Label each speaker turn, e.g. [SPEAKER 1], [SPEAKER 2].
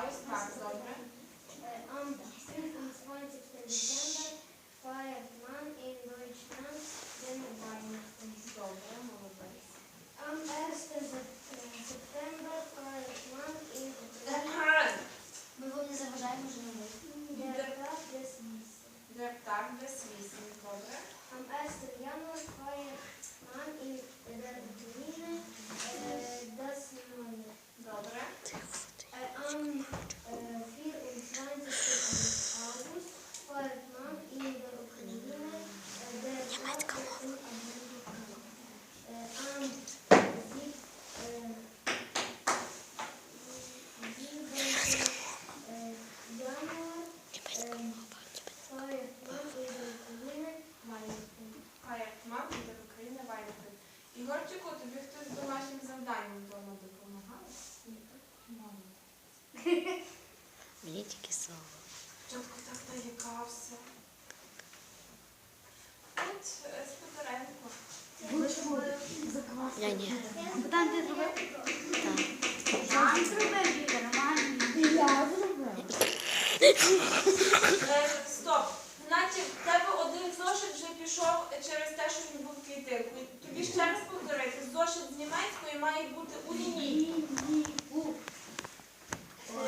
[SPEAKER 1] ось так, добре.
[SPEAKER 2] Am 25. Dezember feiert man in Deutschland den Weihnachten.
[SPEAKER 1] Добре, молодець.
[SPEAKER 2] Am 1. September feiert man in Ukraine
[SPEAKER 3] Ми вам не заважаємо вже на
[SPEAKER 2] der Tag des Wissen.
[SPEAKER 1] Der Tag des Wissens, добре.
[SPEAKER 2] Am 1. Januar feiert man in der Ukraine das Neue.
[SPEAKER 1] Добре.
[SPEAKER 2] Am 24. August feiert man in der Ukraine der Tag des Am 7. Januar feiert man in der Ukraine Weihnachten.
[SPEAKER 1] Feiert man in der Ukraine Weihnachten. Ігорчику, тобі хтось з домашнім завданням вдома допомагав? Ні, так? Молодець.
[SPEAKER 3] Мені тільки слово.
[SPEAKER 1] Чітко так наїкався. От Сподаренко.
[SPEAKER 3] Я ні.
[SPEAKER 4] Там ти зробив?
[SPEAKER 3] Так.
[SPEAKER 4] Сам зробив, Віка, нормально.
[SPEAKER 2] Я зробила.
[SPEAKER 1] Стоп. Наче в тебе один зошит вже пішов через те, що він був клітинкою. Тобі ще раз повторити, зошит з німецької має бути у лінії